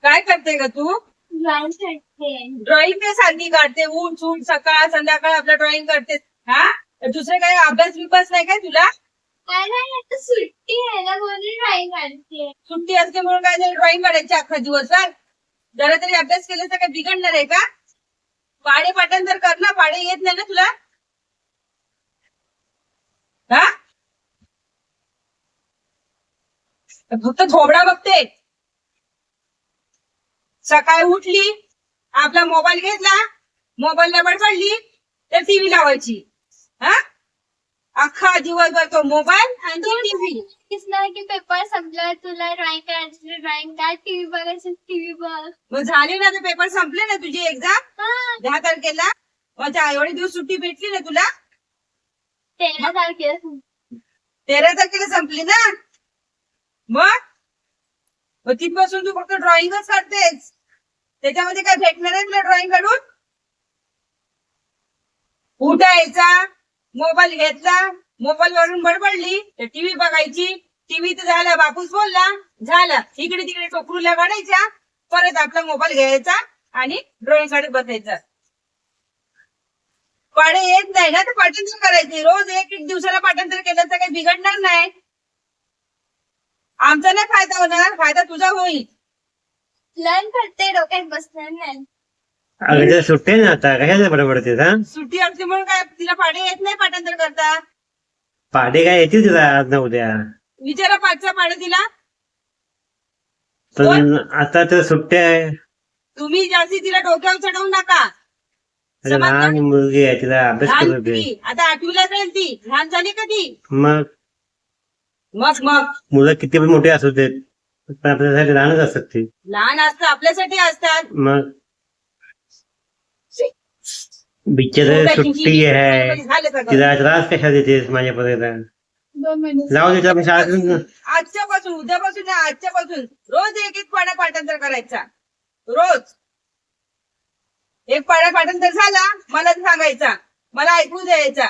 काय करते ग तू? ड्रॉइंग ते सारखी काढते, ऊन ऊन सकाळ संध्याकाळ आपलं ड्रॉइंग करते. हा दुसरे काही अभ्यास बिभ्यास नाही काय तुला? सुट्टी आहे ना म्हणून ड्रॉइंग काढते. सुट्टी असते म्हणून काय ड्रॉइंग काढायची अख्खा दिवसभर? जरा तरी अभ्यास केला तर काय बिघडणार आहे का? पाढे पाठांतर कर ना, पाढे येत नाही ना तुला? हा फक्त थोबडा बघते. सकाळी उठली, आपला मोबाईल घेतला, मोबाईलला बडबडली तर टीव्ही लावायची. हा अख्खा दिवसभर तो मोबाईल आणि ती टीव्ही. की पेपर संपला, तुला ड्रॉइंग करायची ड्रॉइंग काढ, टीव्ही बघायची टीव्ही बघ. मग झाले ना ते पेपर संपले ना तुझी एक्झाम 10 तारखेला. मग एवढे दिवस सुट्टी भेटली ना तुला? 13 तारखेला 13 तारखेला संपली ना. मग तिथपासून तू फक्त ड्रॉइंगच करतेस. त्याच्यामध्ये काय भेटणार आहे तुला ड्रॉइंग काढून? उठायचा, मोबाईल घेतला, मोबाईल वरून बडबडली तर टीव्ही बघायची. टीव्ही तर झाला, बापूस बोलला झाला, इकडे तिकडे टोकरूला काढायच्या, परत आपला मोबाईल घ्यायचा आणि ड्रॉइंग काढत बसायचा. पाढे येत नाही ना तर पाठांतर करायचे. रोज एक एक दिवसाला पाठांतर केलं तर काही बिघडणार नाही. आमचा नाही फायदा होणार, फायदा तुझा होईल. लर्न करते, डोक्यात बसणार नाही. अगं सुट्टे ना आता कशाला बडबडते हा? सुट्टी असते म्हणून काय तिला पाढे येत नाही पाठांतर करता? पाढे काय येतील तुला आज ना उद्या, विचारा पाठचा पाढे तिला. पण आता तर सुट्ट्या आहे. तुम्ही जास्ती तिला डोक्यावर चढवू नका. अरे लहान मुलगी आहे, तिला अभ्यास लहान करू दे. ती, आता 8वीला जाईल ती. लहान झाली का ती? मग मग मग मुलं किती पण मोठे असू देत पण आपल्यासाठी लहानच असतात ती. लहान असतं, आपल्यासाठी असतात. मग बिचार सुट्टी आहे, झालं सगळं. तिला त्रास कशा देतेस माझ्यापर्यंत? 2 महिने जाऊ दे आपण शाळेतून. आजच्यापासून उद्यापासून नाही, आजच्यापासून रोज एक एक पाढा पाठांतर करायचा. रोज एक पाढा पाठांतर झाला मला सांगायचा, मला ऐकू द्यायचा.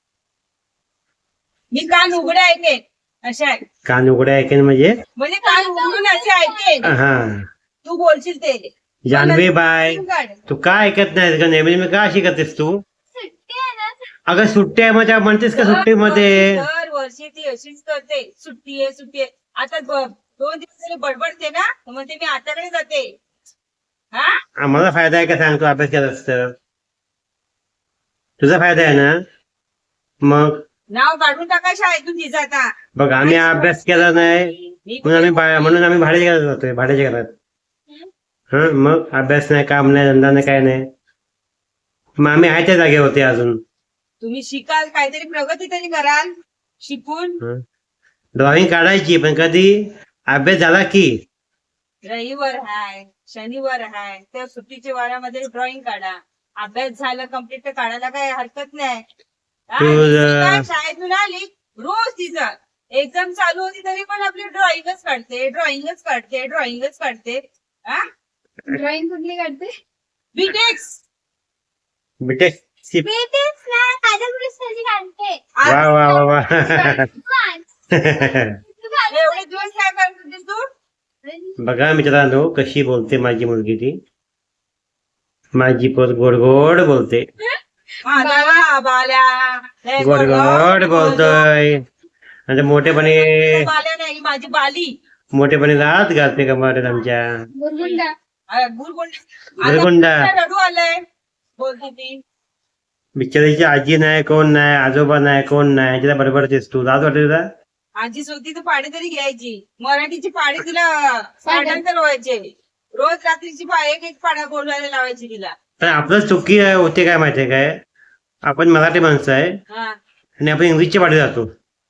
मी कान उघडे ऐकेन अशा आहे. कान उघडे ऐकेन म्हणजे कान उघडून असे ऐकेन. हा तू बोलशील ते. जानवी बाय, काढ. तू का ऐकत नाहीस का? नेहमी नेहमी का अशी करतेस तू? सुट्टी आहे ना. अगं सुट्टी आहे मजा म्हणतेस का सुट्टीमध्ये? दर वर्षी ती अशीच करते, सुट्टी आहे सुट्टी आहे. आता 2 दिवस तरी बडबडते ना, म्हणते मी आताकडे जाते. हा आम्हाला फायदा आहे का सांगतो अभ्यास केलास तर? तुझा फायदा आहे ना. मग नाव काढून टाका शाळेतून तिचं आता. बघ आम्ही अभ्यास केला नाही म्हणून आम्ही भाड्याच्या घरात जातोय, भाड्याच्या घरात. हा मग अभ्यास नाही, काम नाही, धंदा नाही, काय नाही. मग आम्ही आहे त्या जागे होते अजून. तुम्ही शिकाल, काहीतरी प्रगती तरी कराल शिकून. ड्रॉइंग काढायची पण कधी अभ्यास झाला की. रविवार हाय, शनिवार हाय, त्या सुट्टीच्या वारामध्ये ड्रॉइंग काढा. अभ्यास झाला कम्प्लीट तर काढायला काय हरकत नाही. हा, शाळेतून आली रोज तिचं एक्झाम चालू होती तरी पण आपली ड्रॉइंगच काढते, ड्रॉइंगच काढते, ड्रॉइंगच काढते. हा ड्रॉइंग कुठली काढते? बीटेक्स. बिटेक बेटेच ना, कादंबरी काढते. वा वा वा वा. एवढे दिवस काय करत होतीस तू? बघा मित्रांनो कशी बोलते माझी मुलगी ती. माझी पोर गोड गोड बोलते, माझा बाल्या लय गोड गोड बोलतोय. आणि मोठेपणे बाल्या नाही, माझी बाली. मोठेपणे रात घालते कमारेत आमच्या. गुरगुंडा. गुरगुंडा. रडू आलंय बोलते ती. बिचारीची आजी नाही, कोण नाही, आजोबा नाही, कोण नाही, तिला बडबडतेस तू. लाज वाटते तुला? आजी होती तर पाढे तरी घ्यायची. मराठीची पाढे तिला पाठांतर व्हायचे. रोज रात्रीची एक एक पाढा बोलायला लावायची तिला. पण आपलं चुकी होते काय माहितीये काय? आपण मराठी माणसं आहे हा. आणि आपण इंग्लिशच्या पाठी जातो.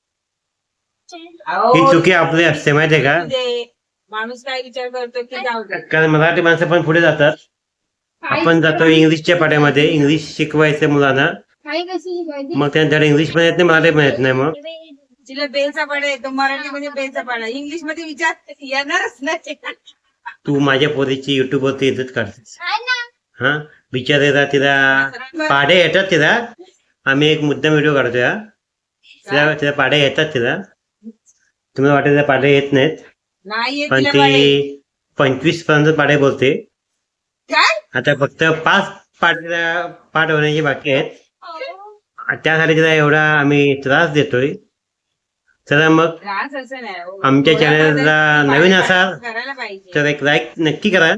अहो, ही चुकी आपली असते माहितीये का? ते माणूस काय विचार करतो की जाऊ दे. कारण मराठी माणसं पण पुढे जातात, आपण जातो इंग्लिशच्या पाड्यामध्ये. इंग्लिश शिकवायचं मुलांना, आई कशी शिकवायची? मग त्यांच्याकडे इंग्लिश पण येत नाही, मराठी पण येत नाही. मग तिला बेलचा पाडा येतो, मराठीमध्ये बेलचा पाडा, इंग्लिश मध्ये विचार येणारच नाही. तू माझ्या पोरीची युट्यूब वरती इज्जत काढतेस. आहे ना. हा बिचारीला तिला पाढे येतात तिला. आम्ही एक मुद्दाम व्हिडिओ काढतोय हा. तिला पाढे येतात तिला. तुम्हाला वाटत पाढे येत नाहीत नाही येत पण तिला पाढे. ती 25 पर्यंत पाढे बोलते. काय आता फक्त 5 पाठ होण्याची बाकी आहेत. त्यासाठी तिला एवढा आम्ही त्रास देतोय. चला मग त्रास असं नाही हो. आमच्या थोडा चॅनलला बदल नवीन असाल करायला पाहिजे. तर एक लाईक नक्की करा.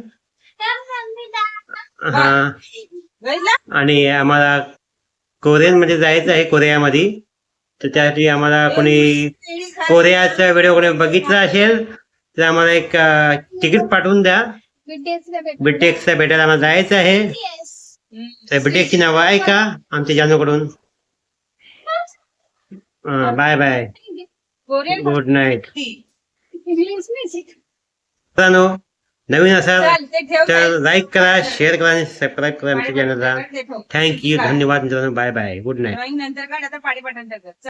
हा, बघितलं? आणि आम्हाला कोरियनमध्ये जायचं आहे, कोरियामध्ये. तर त्यासाठी आम्हाला कोणी कोरियाचा व्हिडिओ कोणी बघितला असेल तर आम्हाला एक तिकीट पाठवून द्या. बीटेक्सला भेटायला आम्हाला जायचं आहे. तर बीटेकची नावं आहे का आमच्या जानूकडून. Bye bye, Korean good night. English music. मित्रांनो, नवीन असाल चल, ते ठेव तर लाईक करा, शेअर करा आणि सबस्क्राईब करा आमच्या चॅनलला. ते ठेव. थँक्यू, धन्यवाद मित्रांनो. Bye bye, good night. Drawing नंतर काढ, आता पाणी पाठांतर कर.